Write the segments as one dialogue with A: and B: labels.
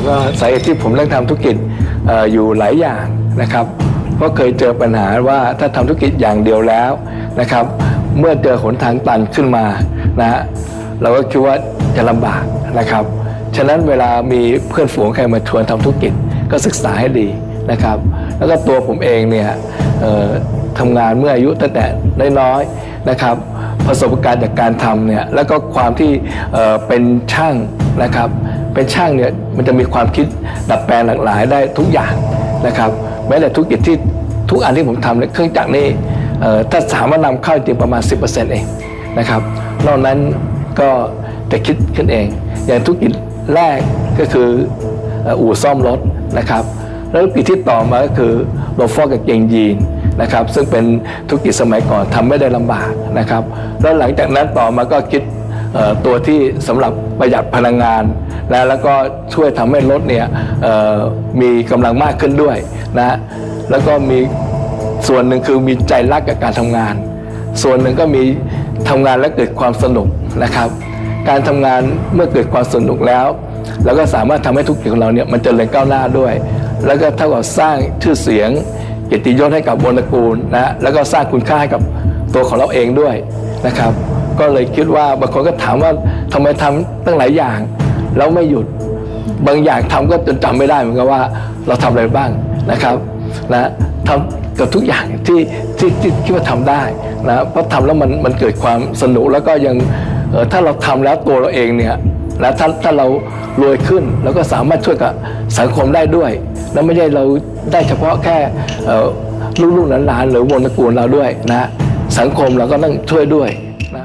A: ก็สาเหตุที่ผมเลือกทำธุรกิจอยู่หลายอย่างนะครับเพราะเคยเจอปัญหาว่าถ้าทำธุรกิจอย่างเดียวแล้วนะครับเมื่อเจอหนทางตันขึ้นมานะฮะเราก็คิดว่าจะลำบากนะครับฉะนั้นเวลามีเพื่อนฝูงใครมาชวนทำธุรกิจก็ศึกษาให้ดีนะครับแล้วก็ตัวผมเองเนี่ยทำงานเมื่ออายุตั้งแต่น้อยๆนะครับประสบการณ์จากการทำเนี่ยแล้วก็ความที่เป็นช่างนะครับเป็นช่างเนี่ยมันจะมีความคิดดัดแปลงหลากหลายได้ทุกอย่างนะครับแม้แต่ธุรกิจที่ทุกอันที่ผมทำเนี่ยเครื่องจักรนี่ถ้าสามารถนำเข้าจริงประมาณ 10% เองนะครับนอกนั้นก็จะคิดขึ้นเองอย่างธุรกิจแรกก็คืออู่ซ่อมรถนะครับแล้วธุรกิจที่ต่อมาก็คือโลฟอกกับเกงยีนนะครับซึ่งเป็นธุรกิจสมัยก่อนทำไม่ได้ลำบากนะครับแล้วหลังจากนั้นต่อมาก็คิดตัวที่สำหรับประหยัดพลังงานแล้วก็ช่วยทำให้รถเนี่ยมีกำลังมากขึ้นด้วยนะแล้วก็มีส่วนหนึ่งคือมีใจรักกับการทำงานส่วนหนึ่งก็มีทำงานและเกิดความสนุกนะครับการทำงานเมื่อเกิดความสนุกแล้วเราก็สามารถทำให้ธุรกิจของเราเนี่ยมันเจริญก้าวหน้าด้วยแล้วก็เท่ากับสร้างชื่อเสียงเกียรติยศให้กับวงตระกูลนะแล้วก็สร้างคุณค่าให้กับตัวของเราเองด้วยนะครับก็เลยคิดว่าบางคนก็ถามว่าทำไมทำตั้งหลายอย่างแล้วไม่หยุดบางอย่างทำก็จนจำไม่ได้เหมือนกันว่าเราทำอะไรบ้างนะครับนะทำกับทุกอย่างที่คิดว่าทำได้นะเพราะทำแล้วมันเกิดความสนุกแล้วก็ยังถ้าเราทำแล้วตัวเราเองเนี่ยแล้วถ้าเรารวยขึ้นเราก็สามารถช่วยกับสังคมได้ด้วยแล้วไม่ใช่เราได้เฉพาะแค่ลูกๆหลานๆหรือวงตระกูลเราด้วยนะสังคมเราก็ต้องช่วยด้วยนะ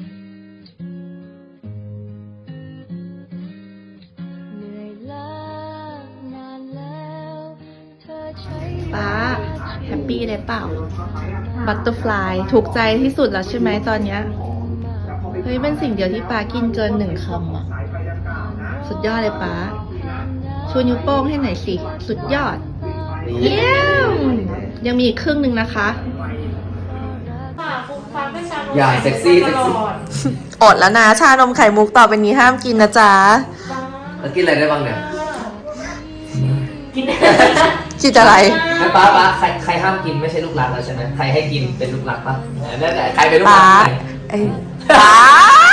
B: ป้าแฮปปี้เลยเปล่าบัตเตอร์ฟลายถูกใจที่สุดแล้วใช่ไหมตอนเนี้ยเฮ้ยเป็นสิ่งเดียวที่ป้ากินเกิน1 คำอ่ะสุดยอดเลยป้าชูนิ้วโป้งให้หน่อยสิสุดยอดเยี่ยมยังมีอีกครึ่งหนึ่งนะคะ
C: อย่าเซ็กซี่
B: อดแล้วนะชานมไข่มุกต่อไปนี้ห้ามกินนะจ๊ะ
C: แล้วกินอะไรได้บ้างเนี่ย
B: กินอะไร
C: ไม่ป้าใครห้ามกินไม่ใช่ลูกรักแล้วใช่ไหมใครให้กินเป็นลูกรักป่ะนั่นแหละใครเป็นลูกรัก
B: ไอ้ป้า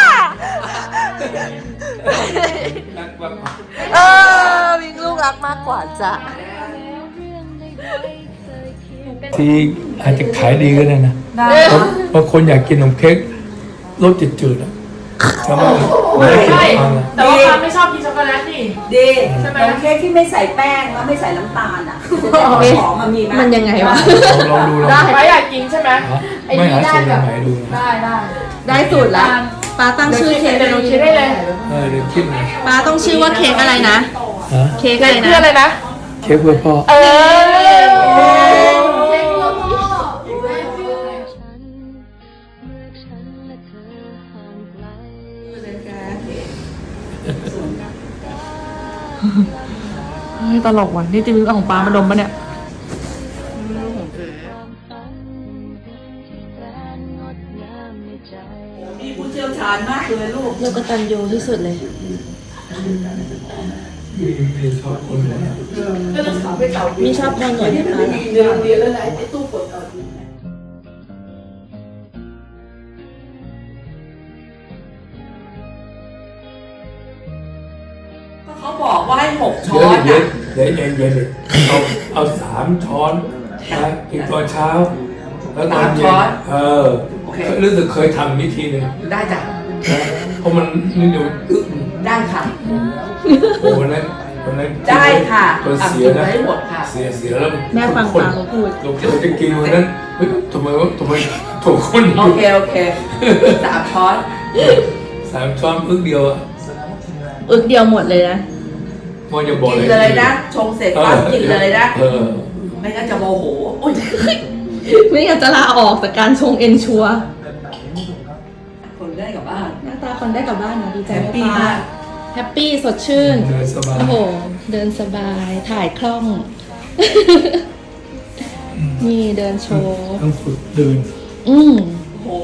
B: มีลูกรักมากกว่าจ้ะ
A: ที่อาจจะขายดีก็ได้นะบางคนอยากกินขนมเค้กรสจืดๆอ่ะใช่ไหม
D: ใช่แต่ว่าป้าไม่ชอบกินช็อกโกแลตดิ
E: ดีใช่ไหมเค้กที่ไม่ใส่แป้งแล้วไม่ใส่น้ำตาลอ่ะของมันมีไหม
B: มันยังไงวะ
A: ลองดู
D: ได้ป้าอยากกินใช่ไหม
A: ไม่หาสูตรไหนดู
B: ได้สูตรแล้วป้าตั้งชื่อเค้ก
D: เดี๋ยวคิดได้เลย
A: เดี๋ยวคิดเลย
B: ป้าต้องชื่อว่าเค้กอะไรนะเค้กอะไรนะ
D: เพื่ออะไรนะ
A: เค้กเพื่อพ่อ
D: ตลกว่ะนี่จริงๆของปลามาดมปะเนี่ย
E: มีผู้เชี่ยวชาญมากเลยลูก
B: กตัญญูที่สุดเลยมีชอบคนหน่อยไหมคะ
E: เรียนแล้วไหนไอ้ตู้กดเอาเขาบอกว่าให้6 ช้อน
A: เย็นเอา3 ช้อนนะกินตอนเช้าแล้วตอนเย็นรู้สึกเคยทำวิธีหนึ่ง
E: ได้จ้ะ
A: เพราะมันนี่เดี๋ยว
E: ได้ค่ะ
A: โอ้วันนั้น
E: ได้ค่ะ
A: เสียนะ
E: หมดค่ะ
A: เสียแล้ว
B: แม่ฟังป้าเขาพูด
A: เราจะกินวันนั้นเฮ้ยทำไมถูกคน
E: โอเค3 ช้อน
A: 3 ช้อนอึกเดียว
B: อึกเดียวหมดเลยนะ
A: มันจะบอก
E: กินเลยนะชงเสร็จปั๊บกินเลยนะไม่งั้นจะโมโห
B: ไม่งั้นจะลาออกจากการชงเอนชัว
E: คนได้กลับบ้าน
B: หน้าตาคนได้กลับบ้านนะดีใจ
E: มาก
B: แฮปปี้สดชื่น
A: เดินสบาย
B: โอ้โหเดินสบายถ่ายคล่องนี่เดินโชว์
A: ต้องฝึกเดิน
E: โอ้โห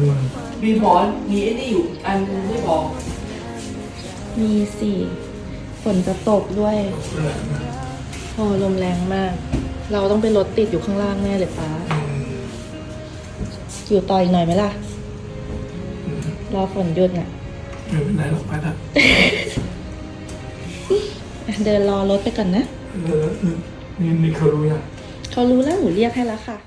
E: มีหมอนมีไอ้นี่อยู่อันไม่บอก
B: มีสิฝนจะตกด้วยโอ้ลมแรงมาก เราต้องไปรถติดอยู่ข้างล่างแน่เลยป้า อยู่ต่ออีกหน่อยไหมล่ะ รอฝนหยุดน่ะ
A: ไม่เป็นไรหรอกไปละ
B: เดินรอรถไปก่อนนะ
A: นี่เขารู้ยัง
B: เขารู้แล้วหนูเรียกให้แล้วค่ะ